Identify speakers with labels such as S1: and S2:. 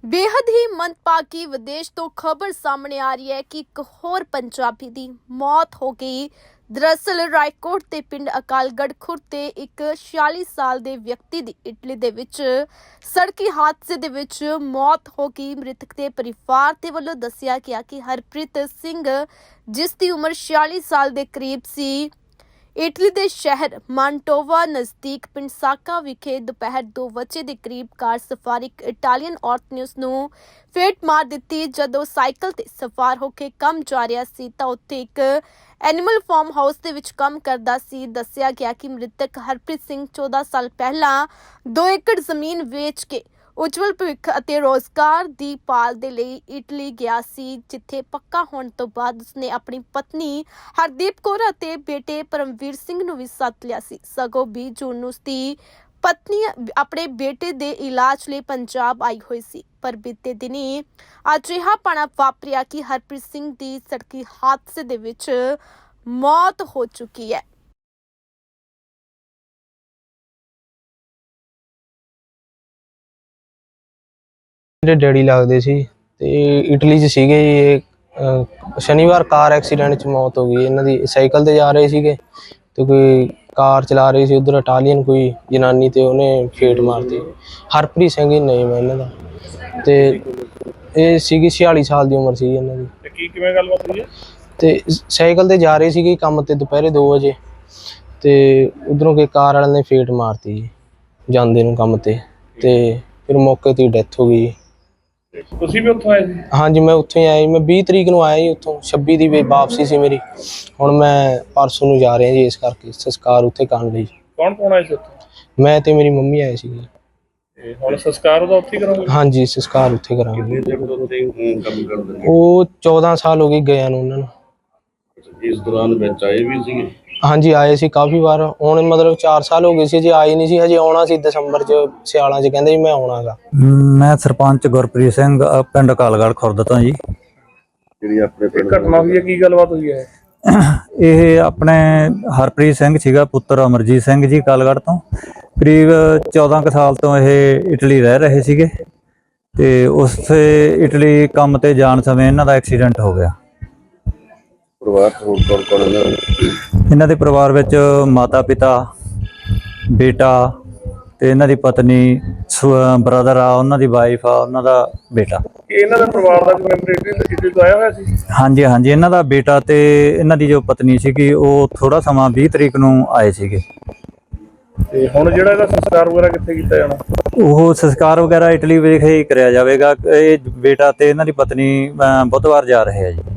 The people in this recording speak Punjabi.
S1: बेहद ही मंदभागी विदेश तो खबर सामने आ रही है कि एक होर पंजाबी दी मौत हो गई। दरअसल रायकोट ते पिंड अकालगढ़ खुर्द ते एक 46 साल दे व्यक्ति दी इटली दे विच सड़की हादसे दे विच मौत हो गई। मृतक दे परिवार दे वल्लों दस्सिया गया कि हरप्रीत सिंह जिस दी उम्र 46 साल दे करीब सी इटली के शहर मांटोवा नज़दीक पिंड साका विखे दोपहर 2 वजे के करीब कार सवार एक इटालियन औरत ने उसनू फेट मार दी। जदों साइकिल ते सवार होकर काम जा रहा सी तां उत्थे एक एनीमल फार्म हाउस दे विच काम करदा सी। दस्सिया गया कि मृतक हरप्रीत सिंह 14 साल पहला 2 एकड़ जमीन वेच के उज्जवल भविख ਅਤੇ रोजगार ਦੀ ਭਾਲ ਦੇ ਲਈ ਇਟਲੀ ਗਿਆ ਸੀ, ਜਿੱਥੇ ਪੱਕਾ ਹੋਣ ਤੋਂ ਬਾਅਦ ਉਸਨੇ ਆਪਣੀ ਪਤਨੀ ਹਰਦੀਪ ਕੌਰ ਅਤੇ ਬੇਟੇ ਪਰਮਵੀਰ ਸਿੰਘ ਨੂੰ ਵੀ ਸੱਦ ਲਿਆ ਸੀ। ਸਗੋਂ 20 ਜੂਨ ਨੂੰ ਉਸਦੀ ਪਤਨੀ ਆਪਣੇ ਬੇਟੇ ਦੇ ਇਲਾਜ ਲਈ ਪੰਜਾਬ ਆਈ ਹੋਈ ਸੀ, ਪਰ ਬੀਤੇ ਦਿਨੀ ਅਜਿਹਾ ਪਾਣਾ ਵਾਪਰਿਆ ਕਿ ਹਰਪ੍ਰੀਤ ਸਿੰਘ ਦੀ ਸੜਕੀ ਹਾਦਸੇ ਦੇ ਵਿੱਚ ਮੌਤ ਹੋ ਚੁੱਕੀ ਹੈ।
S2: मेरे डैडी लगते सी ते इटली च सीगे जी। शनिवार कार एक्सीडेंट च मौत हो गई इन्हां दी। साइकिल ते जा रहे सीगे ते कोई कार चला रही सी, उधर इटालियन कोई जनानी ते उन्हें फेट मारती। हरप्रीत सिंह ही नेम है इन्हां दा ते ਇਹ ਸੀਗੀ 46 ਸਾਲ ਦੀ ਉਮਰ ਸੀ ਇਹਨਾਂ ਦੀ।
S3: ਤੇ ਕੀ ਕਿਵੇਂ ਗੱਲਬਾਤ ਹੋਈ ਹੈ?
S2: ਤੇ ਸਾਈਕਲ ਤੇ ਜਾ ਰਹੇ ਸੀਗੇ ਕੰਮ ਤੇ ਦੁਪਹਿਰੇ 2 ਵਜੇ ਤੇ ਉਧਰੋਂ ਕੋਈ ਕਾਰ ਵਾਲੇ ਨੇ ਫੇਟ ਮਾਰਤੀ ਜੀ ਜਾਂਦੇ ਨੂੰ ਕੰਮ ਤੇ ਫਿਰ ਮੌਕੇ ਤੇ ਡੈਥ ਹੋ ਗਈ।
S3: ਤੁਸੀਂ ਵੀ ਉੱਥੋਂ ਆਏ ਸੀ?
S2: ਹਾਂਜੀ ਮੈਂ ਉੱਥੋਂ ਹੀ ਆਇਆ ਜੀ। ਮੈਂ 20 ਤਰੀਕ ਨੂੰ ਆਇਆ ਜੀ ਉੱਥੋਂ। 26 ਦੀ ਵਾਪਸੀ ਸੀ ਮੇਰੀ। ਹੁਣ ਮੈਂ ਪਰਸੋਂ ਨੂੰ ਜਾ ਰਿਹਾ ਜੀ, ਇਸ ਕਰਕੇ ਸੰਸਕਾਰ ਉੱਥੇ ਕਰਨ ਲਈ।
S3: ਕੌਣ ਕੌਣ ਆਏ ਸੀ ਉੱਥੇ?
S2: ਮੈਂ ਤੇ ਮੇਰੀ ਮੰਮੀ ਆਏ ਸੀ।
S3: ਤੇ ਹੁਣ ਸੰਸਕਾਰ ਉਹਦਾ ਉੱਥੇ ਕਰੋਗੇ?
S2: ਹਾਂਜੀ ਸੰਸਕਾਰ ਉੱਥੇ ਕਰਾਂਗੇ।
S3: ਕਿੰਨੇ ਦਿਨ ਤੋਂ ਉੱਥੇ ਕੰਮ ਕਰਦੇ ਨੇ?
S2: ਉਹ 14 ਸਾਲ ਹੋ ਗਏ ਗਿਆ ਨੂੰ ਉਹਨਾਂ ਨੂੰ।
S3: ਇਸ ਦੌਰਾਨ ਵਿੱਚ ਆਏ ਵੀ ਸੀਗੇ?
S2: ਹਾਂਜੀ ਆਏ ਸੀ ਕਾਫੀ ਵਾਰ। ਹੁਣ ਮਤਲਬ 4 ਸਾਲ ਹੋ ਗਏ ਸੀ ਜੇ ਆਏ ਨਹੀਂ ਸੀ। ਹਜੇ ਆਉਣਾ ਸੀ ਦਸੰਬਰ ਚ ਸਿਆਲਾਂ ਚ ਕਹਿੰਦੇ ਜੀ ਮੈਂ ਆਉਣਾਗਾ।
S4: ਮੈਂ ਸਰਪੰਚ ਗੁਰਪ੍ਰੀਤ ਸਿੰਘ ਪਿੰਡ ਅਕਾਲਗੜ੍ਹ ਖੁਰਦ ਤੋਂ ਜੀ।
S3: ਜਿਹੜੀ ਆਪਣੇ ਪਿੰਡ ਘਟਨਾ ਹੋਈ ਹੈ, ਕੀ ਗੱਲਬਾਤ ਹੋਈ ਹੈ?
S4: ਇਹ ਆਪਣੇ ਹਰਪ੍ਰੀਤ ਸਿੰਘ ਸੀਗਾ, ਪੁੱਤਰ ਅਮਰਜੀਤ ਸਿੰਘ ਜੀ ਅਕਾਲਗੜ੍ਹ ਤੋਂ। ਕਰੀਬ 14 ਕੁ ਸਾਲ ਤੋਂ ਇਹ ਇਟਲੀ ਰਹਿ ਰਹੇ ਸੀਗੇ ਤੇ ਉਸੇ ਇਟਲੀ ਕੰਮ ਤੇ ਜਾਣ ਸਮੇਂ ਇਹਨਾਂ ਦਾ ਐਕਸੀਡੈਂਟ ਹੋ ਗਿਆ।
S3: ਪਰਿਵਾਰ ਹੋਰ ਕੌਣ ਕੌਣ ਹੈ?
S4: ਇਹਨਾਂ ਦੇ ਪਰਿਵਾਰ ਵਿੱਚ ਮਾਤਾ ਪਿਤਾ, ਬੇਟਾ ਤੇ ਇਹਨਾਂ ਦੀ ਪਤਨੀ, ਬ੍ਰਦਰ ਆ, ਉਹਨਾਂ ਦੀ ਵਾਈਫ ਆ, ਉਹਨਾਂ ਦਾ ਬੇਟਾ।
S3: ਇਹਨਾਂ ਦਾ ਪਰਿਵਾਰ ਦਾ ਕੋਈ ਮੈਂਬਰ ਇਟਲੀ ਤੋਂ ਆਇਆ ਹੋਇਆ ਸੀ?
S4: ਹਾਂਜੀ ਹਾਂਜੀ, ਇਹਨਾਂ ਦਾ ਬੇਟਾ ਤੇ ਇਹਨਾਂ ਦੀ ਜੋ ਪਤਨੀ ਸੀਗੀ ਉਹ ਥੋੜਾ ਸਮਾਂ 20 ਤਰੀਕ ਨੂੰ ਆਏ ਸੀਗੇ।
S3: ਤੇ ਹੁਣ ਜਿਹੜਾ ਇਹਦਾ ਸੰਸਕਾਰ ਵਗੈਰਾ ਕਿੱਥੇ ਕੀਤਾ ਜਾਣਾ?
S4: ਉਹ ਸੰਸਕਾਰ ਵਗੈਰਾ ਇਟਲੀ ਵਿਖੇ ਹੀ ਕਰਿਆ ਜਾਵੇਗਾ। ਇਹ ਬੇਟਾ ਤੇ ਇਹਨਾਂ ਦੀ ਪਤਨੀ ਬੁੱਧਵਾਰ ਜਾ ਰਹੇ ਆ ਜੀ।